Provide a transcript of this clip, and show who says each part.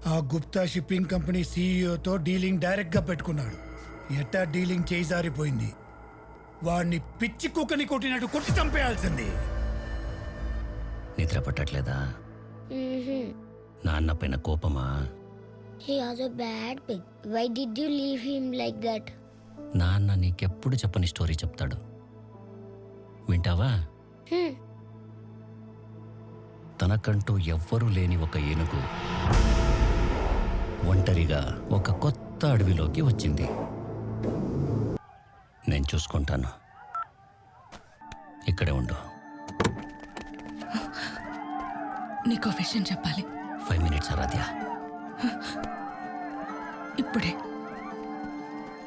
Speaker 1: ఆ Gupta shipping company సీఈఓతో dealing డైరెక్ట్గా పెట్టుకున్నాడు. ఎట్టా డీలింగ్ చేయి జారిపోయింది. వాడిని పిచ్చి కుక్కని కొట్టినట్టు కొట్టి చంపేయాల్సింది.
Speaker 2: నిద్ర పట్టట్లేదా? నాన్న పైన కోపమా?
Speaker 3: He was a bad pig. Why did you leave him like that?
Speaker 2: నాన్న నీకెప్పుడు చెప్పని స్టోరీ చెప్తాడు, వింటావా? తనకంటూ ఎవ్వరూ లేని ఒక ఏనుగు ఒంటరిగా ఒక కొత్త అడవిలోకి వచ్చింది. నేను చూసుకుంటాను, ఇక్కడే ఉండు.
Speaker 4: నీకో విషయం చెప్పాలి.
Speaker 2: 5 minutes ఆరాధ్య.
Speaker 4: ఇప్పుడే.